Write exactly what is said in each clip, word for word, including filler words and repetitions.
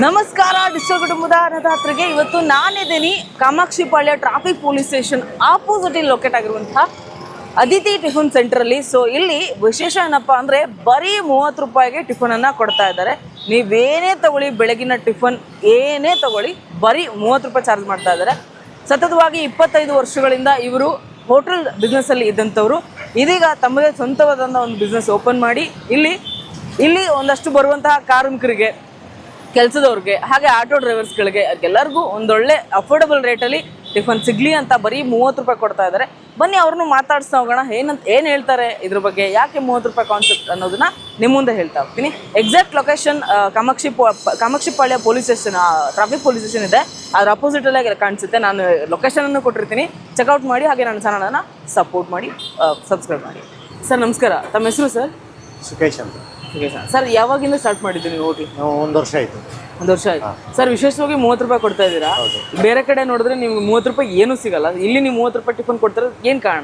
ನಮಸ್ಕಾರ ಡಿಸ್ಟೋ ಕುಟುಂಬದ ಅನ್ನದಾತರಿಗೆ. ಇವತ್ತು ನಾನಿದ್ದೀನಿ Kamakshi Palya traffic police station opposite ಇಲ್ಲಿ ಲೊಕೇಟ್ ಆಗಿರುವಂತಹ ಅದಿತಿ ಟಿಫನ್ ಸೆಂಟರಲ್ಲಿ. ಸೊ ಇಲ್ಲಿ ವಿಶೇಷ ಏನಪ್ಪ ಅಂದರೆ ಬರೀ ಮೂವತ್ತು ರೂಪಾಯಿಗೆ ಟಿಫನನ್ನು ಕೊಡ್ತಾ ಇದ್ದಾರೆ. ನೀವೇನೇ ತಗೊಳ್ಳಿ, ಬೆಳಗಿನ ಟಿಫನ್ ಏನೇ ತಗೊಳ್ಳಿ ಬರೀ ಮೂವತ್ತು ರೂಪಾಯಿ ಚಾರ್ಜ್ ಮಾಡ್ತಾ ಇದ್ದಾರೆ. ಸತತವಾಗಿ ಇಪ್ಪತ್ತೈದು ವರ್ಷಗಳಿಂದ ಇವರು ಹೋಟೆಲ್ ಬಿಸ್ನೆಸ್ಸಲ್ಲಿ ಇದ್ದಂಥವ್ರು ಇದೀಗ ತಮ್ಮದೇ ಸ್ವಂತವಾದಂಥ ಒಂದು ಬಿಸ್ನೆಸ್ ಓಪನ್ ಮಾಡಿ ಇಲ್ಲಿ ಇಲ್ಲಿ ಒಂದಷ್ಟು ಬರುವಂತಹ ಕಾರ್ಮಿಕರಿಗೆ, ಕೆಲಸದವ್ರಿಗೆ, ಹಾಗೆ ಆಟೋ ಡ್ರೈವರ್ಸ್ಗಳಿಗೆ ಎಲ್ಲರಿಗೂ ಒಂದೊಳ್ಳೆ ಅಫೋರ್ಡಬಲ್ ರೇಟಲ್ಲಿ ಟಿಫನ್ ಸಿಗಲಿ ಅಂತ ಬರೀ ಮೂವತ್ತು ರೂಪಾಯಿ ಕೊಡ್ತಾ ಇದ್ದಾರೆ. ಬನ್ನಿ ಅವ್ರನ್ನೂ ಮಾತಾಡ್ಸ್ತಾ ಹೋಗೋಣ. ಏನಂತ ಏನು ಹೇಳ್ತಾರೆ ಇದ್ರ ಬಗ್ಗೆ, ಯಾಕೆ ಮೂವತ್ತು ರೂಪಾಯಿ ಕಾನ್ಸೆಪ್ಟ್ ಅನ್ನೋದನ್ನ ನಿಮ್ಮ ಮುಂದೆ ಹೇಳ್ತಾ ಹೋಗ್ತೀನಿ. Exact location Kamakshi Kamakshi Palya police station, traffic police station ಇದೆ, ಅದ್ರ ಅಪೋಸಿಟಲ್ಲೇ ಕಾಣಿಸುತ್ತೆ. ನಾನು ಲೊಕೇಶನನ್ನು ಕೊಟ್ಟಿರ್ತೀನಿ, ಚೆಕ್ಔಟ್ ಮಾಡಿ. ಹಾಗೆ ನನ್ನ ಚಾನಲನ್ನು ಸಪೋರ್ಟ್ ಮಾಡಿ, ಸಬ್ಸ್ಕ್ರೈಬ್ ಮಾಡಿ. ಸರ್ ನಮಸ್ಕಾರ, ತಮ್ಮ ಹೆಸರು ಸರ್? ಸುಖೇಶ್ ಅಂತ. ಸುಖೇಶ್ ಸರ್, ಯಾವಾಗಿಂದ ಸ್ಟಾರ್ಟ್ ಮಾಡಿದ್ದೀವಿ ನೀವು ಹೋಟ್ಲ್? ನಾವು ಒಂದು ವರ್ಷ ಆಯಿತು. ಒಂದು ವರ್ಷ ಆಯ್ತು ಸರ್. ವಿಶೇಷವಾಗಿ ಮೂವತ್ತು ರೂಪಾಯಿ ಕೊಡ್ತಾ ಇದ್ದೀರಾ. ಬೇರೆ ಕಡೆ ನೋಡಿದ್ರೆ ನಿಮ್ಗೆ ಮೂವತ್ತು ರೂಪಾಯಿ ಏನೂ ಸಿಗಲ್ಲ, ಇಲ್ಲಿ ನೀವು ಮೂವತ್ತು ರೂಪಾಯಿ ಟಿಫನ್ ಕೊಡ್ತಾರೆ, ಏನು ಕಾರಣ?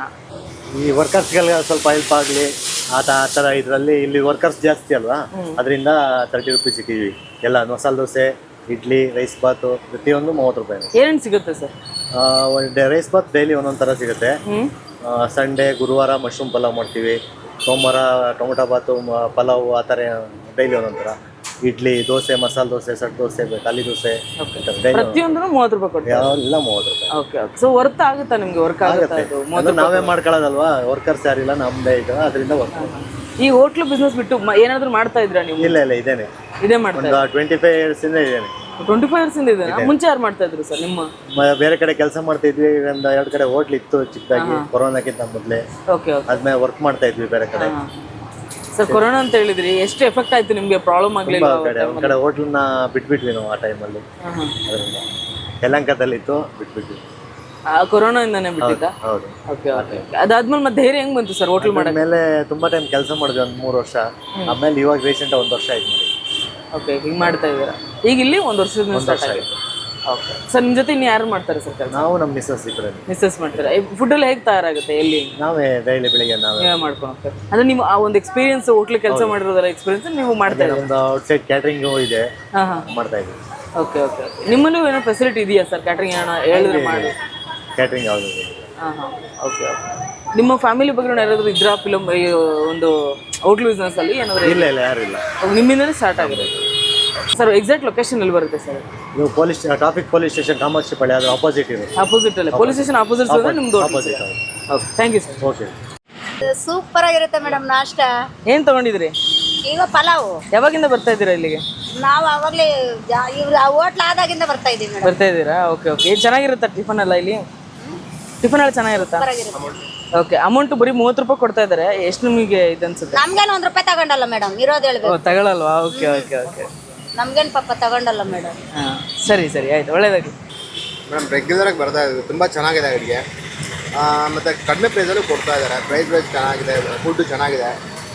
ಈ ವರ್ಕರ್ಸ್ಗಳಿಗೆ ಸ್ವಲ್ಪ ಹೆಲ್ಪ್ ಆಗಲಿ ಆತ ಆ ಥರ ಇದರಲ್ಲಿ ಇಲ್ಲಿ ವರ್ಕರ್ಸ್ ಜಾಸ್ತಿ ಅಲ್ವಾ, ಅದರಿಂದ ತರ್ಟಿ ರುಪೀಸ್ ಸಿಕ್ಕಿದ್ವಿ. ಎಲ್ಲ ಮಸಾಲೆ ದೋಸೆ, ಇಡ್ಲಿ, ರೈಸ್ ಬಾತು ಪ್ರತಿಯೊಂದು ಮೂವತ್ತು ರೂಪಾಯಿ. ಏನೇನು ಸಿಗುತ್ತೆ ಸರ್? ಒಂದು ರೈಸ್ ಬಾತ್ ಡೈಲಿ ಒಂದೊಂದು ಥರ ಸಿಗುತ್ತೆ. ಸಂಡೇ, ಗುರುವಾರ ಮಶ್ರೂಮ್ ಪಲಾವ್ ಮಾಡ್ತೀವಿ, ಸೋಮವಾರ ಟೊಮೊಟೊ ಬಾತು, ಪಲಾವು, ಆ ಥರ ಡೈಲಿ ಒಂದೊಂದು ಥರ. ಇಡ್ಲಿ, ದೋಸೆ, ಮಸಾಲೆ ದೋಸೆ, ಸೆಟ್ ದೋಸೆ, ಖಾಲಿ ದೋಸೆ, ಪ್ರತಿಯೊಂದು ಮೂವತ್ತು ರೂಪಾಯಿ ಕೊಡ್ತೀವಿ. ಎಲ್ಲ ಮೂವತ್ತು ರೂಪಾಯಿ. Okay okay. ಸೊ ವರ್ತ್ ಆಗುತ್ತಾ ನಿಮಗೆ? ವರ್ಕ್ ಆಗುತ್ತೆ. ನಾವೇ ಮಾಡ್ಕೊಳ್ಳೋದಲ್ವಾ, ವರ್ಕರ್ಸ್ ಯಾರಿಲ್ಲ, ನಮ್ಮದೇ ಇದು, ಅದರಿಂದ ವರ್ಕ್. ಈ ಹೋಟ್ಲು ಬಿಸ್ನೆಸ್ ಬಿಟ್ಟು ಏನಾದರೂ ಮಾಡ್ತಾ ಇದ್ರಾ ನೀವು? ಇಲ್ಲ ಇಲ್ಲ, ಇದೇನೆ ಇದೇ ಮಾಡ್ತಾ ಒಂದು ಟ್ವೆಂಟಿ ಫೈವ್ ಇಯರ್ಸ್ ಇಂದ ಇದೇನೆ. ಟ್ವೆಂಟಿ ಫೈವ್ ಇಯರ್ಸ್ ಇಂದ ಇದೆ. ಮುಂಚೆ ಯಾರು ಮಾಡ್ತಾ ಇದ್ರು ಸರ್? ನಿಮ್ಮ ಬೇರೆ ಕಡೆ ಕೆಲಸ ಮಾಡ್ತಾ ಇದ್ವಿ. ಒಂದು ಎರಡು ಕಡೆ ಹೋಟ್ಲ್ ಇತ್ತು ಚಿಕ್ಕದಾಗಿ, ಕೊರೋನಾಕ್ಕಿಂತ ಮೊದಲೇ. Okay okay. ಆದ್ಮೇಲೆ ವರ್ಕ್ ಮಾಡ್ತಾ ಇದ್ವಿ ಬೇರೆ ಕಡೆ. ಸರ್, ಕೊರೋನಾ ಅಂತ ಹೇಳಿದ್ರಿ, ಎಷ್ಟು ಎಫೆಕ್ಟ್ ಆಯ್ತು ನಿಮಗೆ? ಪ್ರಾಬ್ಲಮ್ ಆಗಲಿಲ್ಲ? ಒಂದು ಕಡೆ ಹೋಟ್ಲನ್ನ ಬಿಟ್ಬಿಟ್ವಿ ನಾವು ಆ ಟೈಮಲ್ಲಿ. ಅದರಿಂದ ಯಲಹಂಕದಲ್ಲಿ ಇತ್ತು, ಬಿಟ್ಬಿಟ್ವಿ. ಕೊರೋನಾ ಇಂದಾನೆ ಬಿಟ್ಟಿದ್ದ? ಹೌದು. Okay okay. ಅದಾದ್ಮೇಲೆ ಮತ್ತೆ ಧೈರ್ಯ ಹೆಂಗ್ ಬಂತು ಸರ್ ಹೋಟ್ಲ್ ಮಾಡಕ್ಕೆ? ಮೇಲೆ ತುಂಬಾ ಟೈಮ್ ಕೆಲಸ ಮಾಡಿದ್ವಿ, ಒಂದು ಮೂರು ವರ್ಷ. ಆಮೇಲೆ ಇವಾಗ ರೀಸೆಂಟ್ ಒಂದು ವರ್ಷ ಆಯ್ತು ನೋಡಿ. ಓಕೆ, ಹಿಂಗೆ ಮಾಡ್ತಾ ಇದ್ದೀರಾ. ಈಗ ಇಲ್ಲಿ ಒಂದು ವರ್ಷದ ಸ್ಟಾರ್ಟ್ ಆಗಿದೆ. ಓಕೆ ಸರ್, ನಿಮ್ಮ ಜೊತೆ ಇನ್ನು ಯಾರು ಮಾಡ್ತಾರೆ ಸರ್ ಕೆಲಸ? ನಾವು ನಮ್ಮ ಮಿಸ್ಸಸ್ ಇಬ್ಬರೇ. ಮಿಸ್ಸಸ್ ಮಾಡ್ತಾರೆ. ಫುಡ್ ಎಲ್ಲ ಹೇಗೆ ತಯಾರಾಗುತ್ತೆ? ಎಲ್ಲಿ? ನಾವೇ ಡೈಲಿ ಬೆಳಿಗ್ಗೆ ನಾವೇ ಮಾಡ್ಕೊಂಡು ಹೋಗ್ತಾರೆ. ಅಂದ್ರೆ ನೀವು ಆ ಒಂದು ಎಕ್ಸ್ಪೀರಿಯನ್ಸ್, ಹೋಟ್ಲ್ ಕೆಲಸ ಮಾಡಿರೋದಲ್ಲ ಎಕ್ಸ್ಪೀರಿಯನ್ಸ್ ನೀವು ಮಾಡ್ತಾ ಇದ್ದೀರಾ? ನಮ್ದು ಔಟ್ಸೈಡ್ ಕ್ಯಾಟ್ರಿಂಗ್ ಇದೆ, ಹಾಂ ಹಾಂ, ಮಾಡ್ತಾ ಇದ್ದೀವಿ. Okay okay. ನಿಮ್ಮಲ್ಲೂ ಏನೋ ಫೆಸಿಲಿಟಿ ಇದೆಯಾ ಸರ್ ಕ್ಯಾಟ್ರಿಂಗ್? ಏನೋ ಹೇಳಿದ್ರೆ ಮಾಡಿ. ಕ್ಯಾಟ್ರಿಂಗ್ ಯಾವುದು? ಹಾಂ ಹಾಂ, ಓಕೆ ಓಕೆ. ನಿಮ್ಮ ಫ್ಯಾಮಿಲಿ ಬಗ್ಗೆ ಯಾರಾದರೂ ಇದ್ರಾ ಫಿಲಮ್ ಒಂದು ಹೋಟ್ಲ್ ಬಿಸ್ನೆಸ್ ಅಲ್ಲಿ ಏನಾದರೂ? ಇಲ್ಲ ಇಲ್ಲ, ಯಾರು ಇಲ್ಲ. ನಿಮ್ಮಿಂದಲೇ ಸ್ಟಾರ್ಟ್ ಆಗಿದೆ ಸರ್. ಎಕ್ಸಾಕ್ಟ್ ಲೊಕೇಶನ್ ಎಲ್ಲಿ ಬರುತ್ತೆ ಸರ್? ನೀವು police traffic police station Kamakshi Palya, ಅದು ಆಪೋಸಿಟ್ ಇದೆ. ಆಪೋಸಿಟ್ ಅಲ್ಲೇ ಪೊಲೀಸ್ ಸ್ಟೇಷನ್ ಆಪೋಸಿಟ್ ಅಂದ್ರೆ ನಿಮ್ದು opposite. Okay, thank you sir. Okay. Super ಆಗಿರುತ್ತೆ ಮೇಡಮ್ ನಾಷ್ಟ. ಏನು ತಗೊಂಡಿದ್ರಿ? ಈಗ ಪಲಾವು. ಯಾವಾಗಿಂದ ಬರ್ತಾ ಇದ್ದೀರಾ ಇಲ್ಲಿಗೆ? ನಾವು ಅವಾಗಲೇ ಇವ್ರ ಹೋಟ್ಲ್ ಆದಾಗಿಂದ ಬರ್ತಾ ಇದ್ದೀವಿ ಮೇಡಮ್. ಬರ್ತಾ ಇದ್ದೀರಾ? Okay okay. ಏನು ಚೆನ್ನಾಗಿರುತ್ತಾ ಟಿಫನ್ ಎಲ್ಲ ಇಲ್ಲಿ? ಟಿಫನ್ ಎಲ್ಲ ಚೆನ್ನಾಗಿರುತ್ತಾ? ಓಕೆ. ಅಮೌಂಟ್ ಬರೀ ಮೂವತ್ತು ರೂಪಾಯಿ ಕೊಡ್ತಾ ಇದ್ದಾರೆ. ಎಷ್ಟು ನಿಮಗೆ ಇದು ಅನ್ಸುತ್ತೆ? ನಮ್ಗೇನು ಒಂದು ರೂಪಾಯಿ ತಗೊಂಡಲ್ಲ ಮೇಡಮ್, ಇರೋದು ಹೇಳ್ಬೇಕು. ತಗೊಳ್ಳಲ್ವಾ? Okay okay okay. ನಮ್ಗೇನು ಪಾಪ ತಗೊಂಡಲ್ಲ ಮೇಡಮ್. ಹಾಂ, ಸರಿ ಸರಿ, ಆಯ್ತು, ಒಳ್ಳೇದಾಗಿ. ಮೇಡಮ್ ರೆಗ್ಯುಲರಾಗಿ ಬರ್ತಾ ಇದ್ದೀವಿ, ತುಂಬ ಚೆನ್ನಾಗಿದೆ ಅಡುಗೆ, ಮತ್ತು ಕಡಿಮೆ ಪ್ರೈಸಲ್ಲೂ ಕೊಡ್ತಾ ಇದ್ದಾರೆ. ಪ್ರೈಸ್ ವೈಸ್ ಚೆನ್ನಾಗಿದೆ, ಫುಡ್ಡು ಚೆನ್ನಾಗಿದೆ.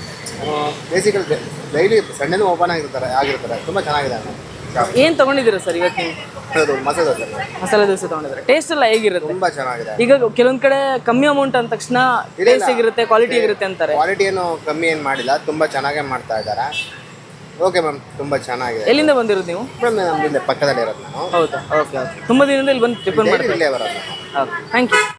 ಬೇಸಿಕಲಿ ಡೈಲಿ ಸಂಡೇನೂ ಓಪನ್ ಆಗಿರ್ತಾರೆ ಆಗಿರ್ತಾರೆ ತುಂಬ ಚೆನ್ನಾಗಿದೆ. ಏನು ತೊಗೊಂಡಿದ್ದೀರಾ ಸರ್ ಇವತ್ತು ನೀವು? ಅದು ಮಸಾಲೆ ದೋಸೆ. ಮಸಾಲೆ ದೋಸೆ ತೊಗೊಂಡಿದ್ದಾರೆ. ಟೇಸ್ಟ್ ಎಲ್ಲ ಹೇಗಿರುತ್ತೆ? ತುಂಬ ಚೆನ್ನಾಗಿದೆ. ಈಗ ಕೆಲವೊಂದು ಕಡೆ ಕಮ್ಮಿ ಅಮೌಂಟ್ ಅಂದ ತಕ್ಷಣ ಟೇಸ್ಟ್ ಹೇಗಿರುತ್ತೆ, ಕ್ವಾಲಿಟಿ ಹೇಗಿರುತ್ತೆ ಅಂತಾರೆ. ಕ್ವಾಲಿಟಿ ಏನು ಕಮ್ಮಿ ಏನು ಮಾಡಿಲ್ಲ, ತುಂಬ ಚೆನ್ನಾಗೇ ಮಾಡ್ತಾ ಇದ್ದಾರೆ. ಓಕೆ ಮ್ಯಾಮ್, ತುಂಬ ಚೆನ್ನಾಗಿದೆ. ಎಲ್ಲಿಂದ ಬಂದಿರೋದು ನೀವು? ಮೇಡಮ್ ನಮ್ದು ಇಲ್ಲೇ ಪಕ್ಕದಲ್ಲಿ ಇರೋದು ನಾನು. ಹೌದಾ? Okay okay. ತುಂಬ ದಿನದಿಂದ ಇಲ್ಲಿ ಬಂದು ಟಿಫನ್ ಮಾಡಿ ಇಲ್ಲೇ ಬರೋದು. Okay, thank you.